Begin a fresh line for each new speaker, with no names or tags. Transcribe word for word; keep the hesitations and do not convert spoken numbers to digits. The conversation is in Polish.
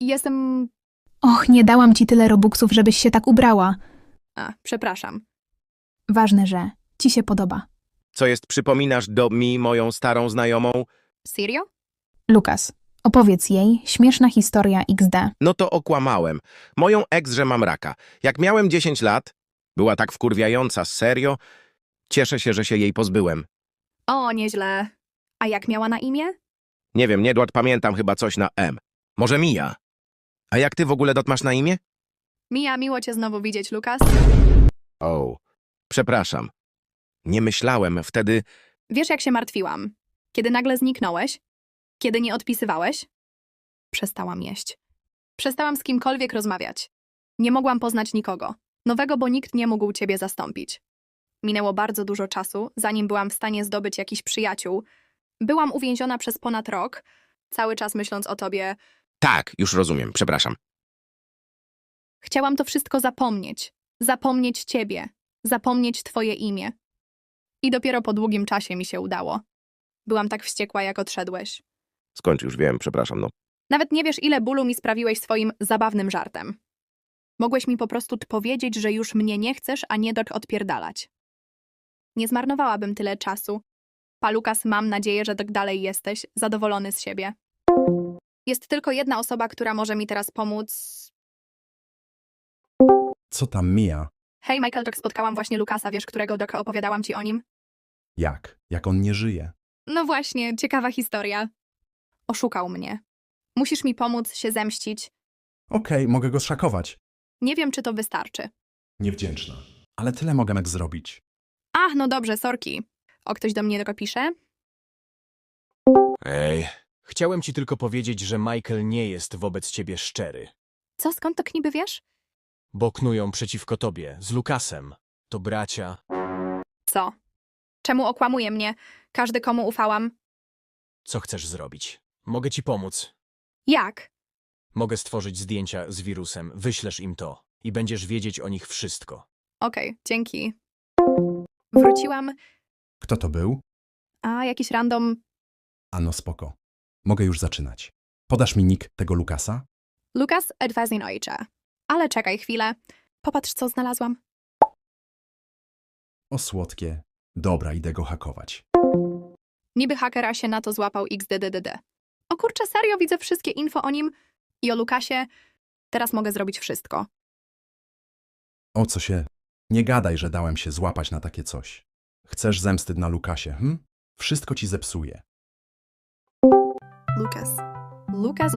jestem...
Och, nie dałam ci tyle robuxów, żebyś się tak ubrała.
A, przepraszam.
Ważne, że ci się podoba.
Co jest, przypominasz do mi moją starą znajomą?
Serio?
Lukas, opowiedz jej śmieszna historia iks de.
No to okłamałem. Moją ex, że mam raka. Jak miałem dziesięć lat, była tak wkurwiająca, serio. Cieszę się, że się jej pozbyłem.
O, nieźle. A jak miała na imię?
Nie wiem, Niedład, pamiętam chyba coś na M. Może Mija. A jak ty w ogóle dot masz na imię?
Mija, miło cię znowu widzieć, Lukas.
O, przepraszam. Nie myślałem wtedy...
Wiesz, jak się martwiłam? Kiedy nagle zniknąłeś? Kiedy nie odpisywałeś? Przestałam jeść. Przestałam z kimkolwiek rozmawiać. Nie mogłam poznać nikogo. Nowego, bo nikt nie mógł ciebie zastąpić. Minęło bardzo dużo czasu, zanim byłam w stanie zdobyć jakiś przyjaciół. Byłam uwięziona przez ponad rok, cały czas myśląc o tobie.
Tak, już rozumiem, przepraszam.
Chciałam to wszystko zapomnieć. Zapomnieć ciebie. Zapomnieć twoje imię. I dopiero po długim czasie mi się udało. Byłam tak wściekła, jak odszedłeś.
Skończ, już wiem, przepraszam, no.
Nawet nie wiesz, ile bólu mi sprawiłeś swoim zabawnym żartem. Mogłeś mi po prostu powiedzieć, że już mnie nie chcesz, a nie dok odpierdalać. Nie zmarnowałabym tyle czasu. Pa, Lukas, mam nadzieję, że tak dalej jesteś zadowolony z siebie. Jest tylko jedna osoba, która może mi teraz pomóc.
Co tam mija?
Hej, Michael, dok, spotkałam właśnie Lukasa, wiesz, którego dok opowiadałam ci o nim?
Jak? Jak on nie żyje?
No właśnie, ciekawa historia. Oszukał mnie. Musisz mi pomóc się zemścić.
Okej, mogę go szakować.
Nie wiem, czy to wystarczy.
Niewdzięczna. Ale tyle mogę Meg zrobić.
Ach, no dobrze, sorki. O, ktoś do mnie tylko pisze?
Ej, chciałem ci tylko powiedzieć, że Michael nie jest wobec ciebie szczery.
Co, skąd to niby wiesz?
Bo knują przeciwko tobie, z Lukasem. To bracia.
Co? Czemu okłamuje mnie? Każdy, komu ufałam.
Co chcesz zrobić? Mogę ci pomóc.
Jak?
Mogę stworzyć zdjęcia z wirusem, wyślesz im to i będziesz wiedzieć o nich wszystko.
Okej, dzięki. Wróciłam,
Kto to był?
a jakiś random...
Ano spoko. Mogę już zaczynać. Podasz mi nick tego Lukasa?
Lukas Edwazin ojcze. Ale czekaj chwilę. Popatrz, co znalazłam.
O słodkie. Dobra, idę go hakować.
Niby hakera się na to złapał iks de de de de. O kurczę, serio, widzę wszystkie info o nim i o Lukasie. Teraz mogę zrobić wszystko.
O co się? Nie gadaj, że dałem się złapać na takie coś. Chcesz zemsty na Lukasie, hm? Wszystko ci zepsuje.
Lukas. Lukas